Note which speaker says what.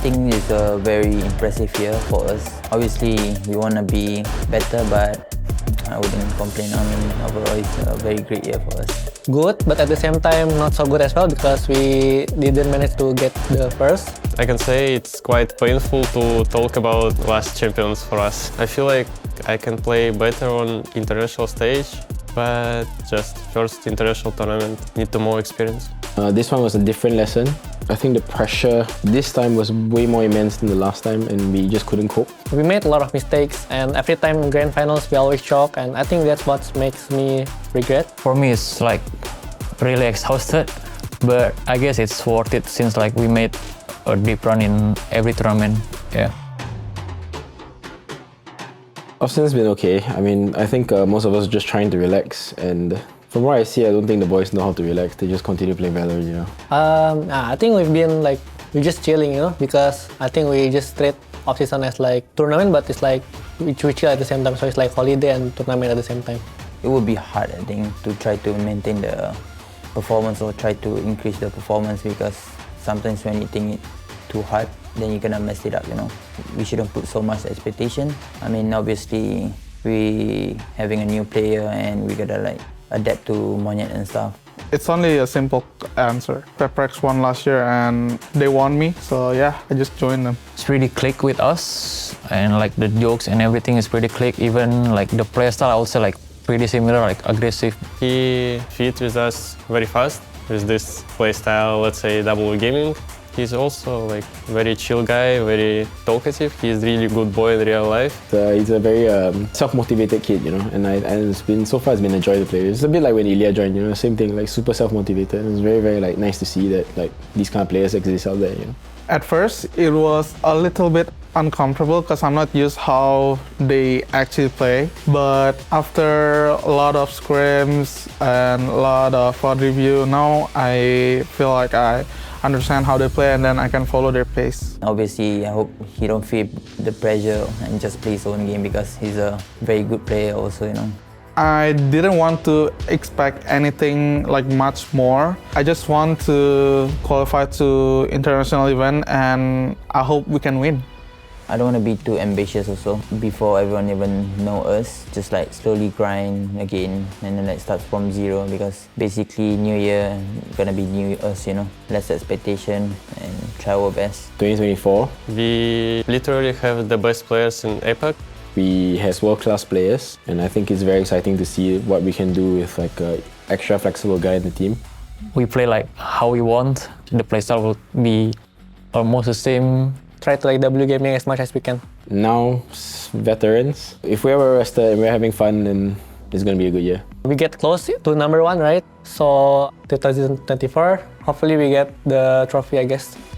Speaker 1: think it's a very impressive year for us. Obviously, we want to be better, but I wouldn't complain. I mean, overall, it's a very great year for us.
Speaker 2: Good, but at the same time not so good as well because we didn't manage to get the first.
Speaker 3: I can say it's quite painful to talk about last champions for us. I feel like I can play better on international stage, but just first international tournament, need to more experience.
Speaker 4: This one was a different lesson. I think the pressure this time was way more immense than the last time and we just couldn't cope.
Speaker 2: We made a lot of mistakes and every time in grand finals we always choke, and I think that's what makes me regret.
Speaker 5: For me, it's like really exhausted, but I guess it's worth it since like we made a deep run in every tournament. Yeah.
Speaker 4: Austin's been okay. I mean, I think most of us are just trying to relax, and from what I see, I don't think the boys know how to relax. They just continue playing Valorant, you know.
Speaker 2: I think we're just chilling, you know, because I think we just treat off-season as like tournament, but it's like we chill at the same time, so it's like holiday and tournament at the same time.
Speaker 1: It would be hard, I think, to try to maintain the performance or try to increase the performance, because sometimes when you think it too hard, then you're gonna mess it up, you know. We shouldn't put so much expectation. I mean, obviously, we having a new player and we gotta like adapt to Monyet and stuff.
Speaker 6: It's only a simple answer. Pepprex won last year and they won me, so yeah, I just joined them.
Speaker 5: It's really click with us, and like the jokes and everything is pretty click. Even like the play style, I would say like pretty similar, like aggressive.
Speaker 3: He fit with us very fast with this play style, let's say double gaming. He's also like very chill guy, very talkative. He's really good boy in real life.
Speaker 4: He's a very self-motivated kid, you know, and it's been so far it's been a joy to play. It's a bit like when Ilya joined, you know, same thing, like super self-motivated. It's very, very like nice to see that like these kind of players exist out there, you know.
Speaker 6: At first, it was a little bit uncomfortable because I'm not used how they actually play. But after a lot of scrims and a lot of VOD review, now I feel like I understand how they play and then I can follow their pace.
Speaker 1: Obviously, I hope he don't feel the pressure and just play his own game, because he's a very good player also, you know.
Speaker 6: I didn't want to expect anything like much more. I just want to qualify to international event and I hope we can win.
Speaker 1: I don't want to be too ambitious also before everyone even know us. Just like slowly grind again and then like start from zero, because basically new year gonna be new us, you know. Less expectation and try our best.
Speaker 4: 2024.
Speaker 3: We literally have the best players in APAC.
Speaker 4: We have world-class players, and I think it's very exciting to see what we can do with like an extra flexible guy in the team.
Speaker 5: We play like how we want. The playstyle will be almost the same.
Speaker 2: Try to like W gaming as much as we can.
Speaker 4: Now, veterans, if we're ever rested and we're having fun, then it's going to be a good year.
Speaker 2: We get close to number one, right? So 2024, hopefully we get the trophy, I guess.